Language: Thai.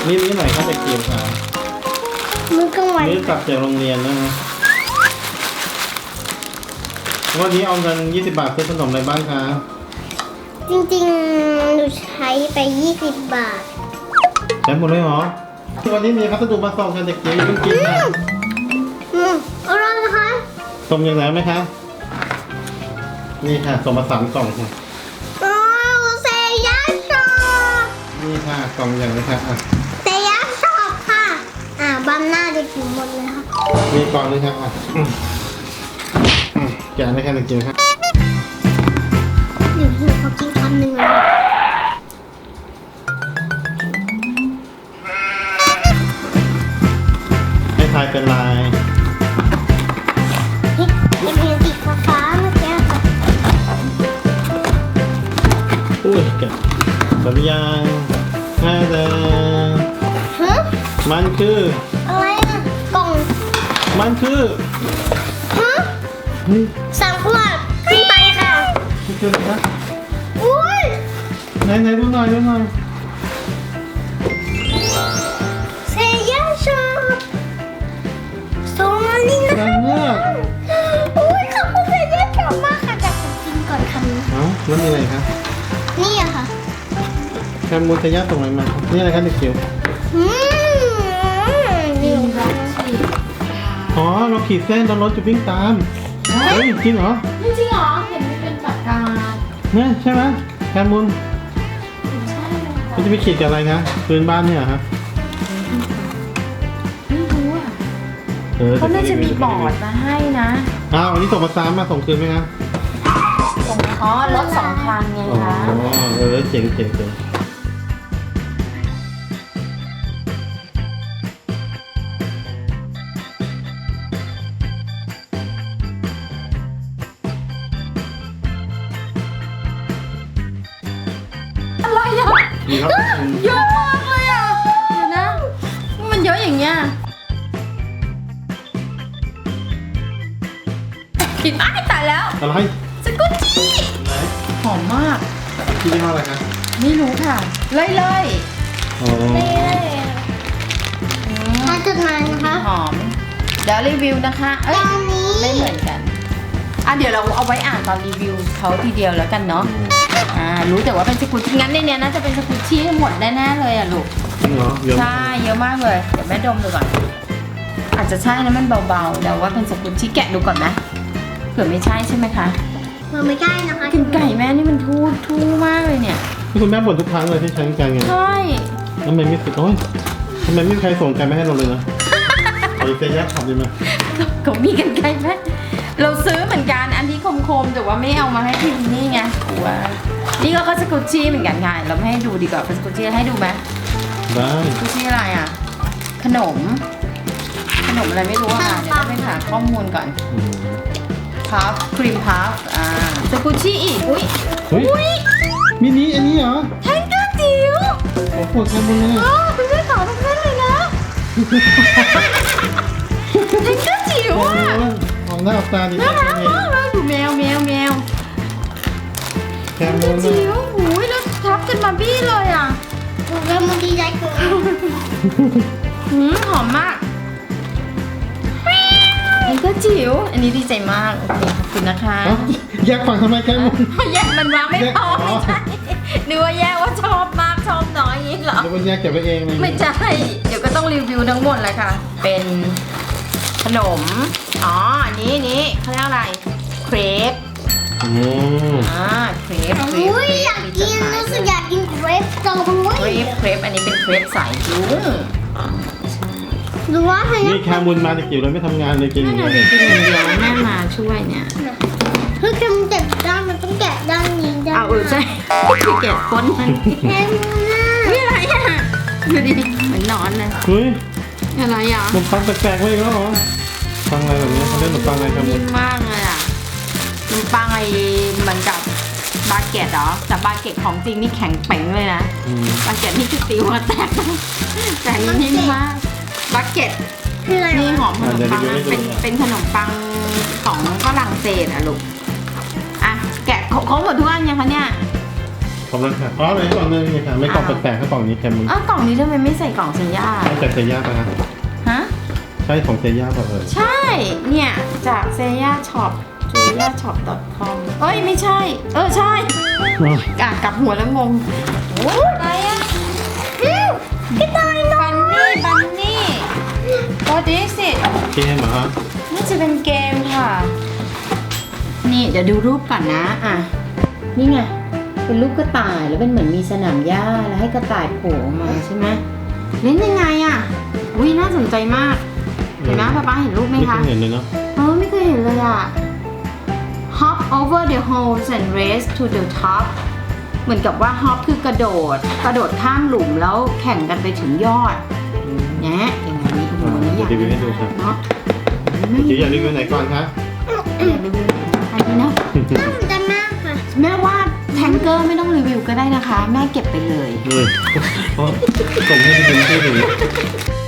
นี่หน่อยครับเด็กจิ๋วค่ะมื้อกลางวันนี่กลับจากโรงเรียนแล้วนะวันนี้เอาเงิน20 บาทซื้อขนมอะไรบ้างคะจริงๆหนูใช้ไป20 บาทใช้หมดเลยเหรอวันนี้มีพัสดุมาส่งกันเด็กจิ๋วอย่าเพิ่งกินนะอร่อยนะคะส่งอย่างไหนไหมคะนี่ค่ะส่งมา3 กล่องค่ะอ๋อเซย่าชอบนี่ค่ะกล่องอย่างไรคะอ่ะเซย่าชอบค่ะบัมหน้าจะกินหมดเลยค่ะมีกล่องนึงครับอ่ะแกะเลยค่ะเด็กจิ๋วครับหนูขอกินคำหนึ่งเลยให้ทายเป็นลายเป็นเพลงสีฟ้าๆเมื่อกี้ค่ะอุ้ยแกะสัญญาณให้เลยฮะมันคืออะไรอะกล่องมันคือฮะเฮ้ย 3 ขวดขึ้นไปค่ะมันคืออะไรคะอุ้ยไหนดูหน่อยดูหน่อยเซย่าชอบส่งมานี่นะนางเงือกอุ้ยขอบคุณเซย่าชอบมากค่ะแต่ผมกินก่อนคำนี้เอ้าแล้วมีอะไรคะนี่อะค่ะแคมมูนทะยาส่งอะไรมานี่อะไรคะเด็กจิ๋วนี่ค่ะอ๋อเราขีดเส้นเรารถจะวิ่งตามเฮ้ยจริงเหรอไม่จริงเหรอ เห็นมันเป็นปากกาเนี่ยใช่ไหมแคมมูนใช่เลยมันจะไปขีดกับอะไรคะพื้นบ้านเนี่ยเหรอฮะไม่รู้อ่ะ เขาน่าจะมีบอร์ดมาให้นะอ้าวอันนี้ส่งมาซ้ำมาส่งคืนไหมคะส่งอ๋อรถ2 คันไงอ๋อคะเจ๋งเจ๋งเจ๋งอะไรอ่ะดีครับเยอะมากเลยอ่ะ เดี๋ยวนะ มันเยอะอย่างเงี้ยผิดอ้ายตายแล้วอะไรสกุตจี้ไหนหอมมากที่ยี่ห้ออะไรคะไม่รู้ค่ะ เลยอ๋อมาจุดหมายนะคะหอม เดี๋ยวรีวิวนะคะ เอ้ยตอนนี้ไม่เหมือนกัน เดี๋ยวเราเอาไว้อ่านตอนรีวิวเขาทีเดียวแล้วกันเนาะ รู้แต่ว่าเป็นสกุตชี่งั้นในเนี้ยน่าจะเป็นสกุตชี่หมดแน่ๆเลยอ่ะลูกจริงเหรอเยอะใช่ เยอะมากเลย เดี๋ยวแม่ดมดูก่อน อาจจะใช่นะมันเบาๆแต่ว่าเป็นสกุตชี่แกะดูก่อนนะเผื่อไม่ใช่ใช่ไหมคะเราไม่ได้นะคะกินไก่แม่นี่มันทู่มากเลยเนี่ยที่คุณแม่บ่นทุกครั้งเลยที่ใช้กันไงใช่ทำไมไม่สิโอ้ยทำไมไม่มีใครส่งกันไม่ให้เราเลยนะเอาอีกเซยักขับดีไหมเขามีกันไก่แม่เราซื้อเหมือนกันอันที่คมๆแต่ว่าไม่เอามาให้พิมพ์นี่ไงกลัวนี่ก็สกุตชี่เหมือนกันค่ะเราไม่ให้ดูดีกว่าเป็นสกุตชี่ให้ดูไหมได้สกุตชี่อะไรอ่ะ ขนมอะไรไม่รู้อะค่ะเดี๋ยวต้องไปหาข้อมูลก่อนอืมพัฟครีมพัฟสกุชชี่อีก อุ้ยเฮ้ยมินิอันนี้เหรอแทงเกอร์จิ๋วโอ้โหแคมมูนเลยคุณแม่ขอทุกท่านเลยนะแทงเกอร์จิ๋วโอ้อ่ะโหออกหน้าออกตาดีน่ารักนี่มากเลยดูแมวแคแทมงเกมูอน ร์จิ๋วหูยแล้วทับกันมาบี้เลยอ่ะหนูเริ่มดีใจเกินหอมมากแทงเกอร์จิ๋วอันนี้ดีใจมาก โอเคขอบคุณนะคะเอ้าแยกฝั่งทำไมแคมมูนแยกมันวางไม่พอแยกอ๋อไม่ใช่นึกว่าแยกว่าชอบมากชอบน้อยอย่างนี้เหรอแล้วมันแยกเก็บไว้เองเลยไม่ใช่ เดี๋ยวก็ต้องรีวิวทั้งหมดเลยค่ะ เป็นขนม อ๋อ อันนี้เขาเรียกอะไร เครปอืมเครปอุ้ยอยากกินรู้สึกอยากกินเกรปจังเลเครยป อันนี้เป็นเครปสายลุงหรือว่าให้นี่แคมมูนมาจากจิ๋วเลยไม่ทำงานเลยกินอนั่ย่าน งน่ะเดียวสิกินอย่างเดียวแม่มาช่วยเนี่ยเฮ้ยแคมแกะด้านมันต้องแกะด้านนี้ด้านเอาใช่ที่เก็บก้นมันแคมน่ะนี่อะไรอ่ะดูดิเหมือนนอนเลยเฮ้ยอะไรอ่ะขนมปังแปลกๆไว้อีกแล้วเหรอปังอะไรแบบนี้เขาเรียกขนมปังอะไรครับนิ่มมากเลยอ่ะขนมปังไอ้เหมือนกับบาเกตเหรอ แต่บาเกตของจริงนี่แข็งเป๋งเลยนะอืมบาเก็ตนี่คือติวมาแตกแต่อันนี่นิ่มมากบาเก็ตคืออะไรนี่หอวะมขนมปังนะเป็นขนมปังของฝรั่งเศสอะลูกอ่ะแกะเขาหมดทุกอันยังคะเนี่ยขอบคุณค่ะอ๋อเลยกล่องนึงนี่ค่ะไม่กล่องแปลกๆถ้ากล่องนี้เต็มมึงอ้าวกล่องนี้ทำไมไม่ใส่กล่องเซย่าใช่จากเซย่าป่ะคะฮะใช่ของเซย่าป่ะใช่ เนี่ยจากเซย่าช็อปcom เอ้ยไม่ใช่ ใช่กลับหัวแล้วงงโอ้อะไรอ่ะกระต่ายน้อยบันนี่ what is it เกมเหรอฮะน่าจะเป็นเกมค่ะ นี่เดี๋ยวดูรูปก่อนนะ อ่ะ นี่ไง เป็นรูปกระต่ายแล้วเป็นเหมือนมีสนามหญ้าแล้วให้กระต่ายโผล่ออกมาใช่ไหมเล่นยังไงอ่ะอุ้ยน่าสนใจมาก เห็นไหมป๊าเห็นรูปไหมไม่เคคะยเห็นเลยเนาะไม่เคยเห็นเลยอ่ะ hop over the holes and race to the top เหมือนกับว่า hop คือกระโดดข้ามหลุมแล้วแข่งกันไปถึงยอดเนี่ยอย่างนี้โอ้โหนี่อยากรีวิวให้ดูครับเนาะจิ๋วอยากรีวิวไหนก่อนคะอยากรีวิวอันนี้นะน่าสนใจมากค่ะแม่ว่าแทงเกอร์ไม่ต้องรีวิวก็ได้นะคะ แม่เก็บไปเลยเลยเพราะส่งให้ไปดูที่ดู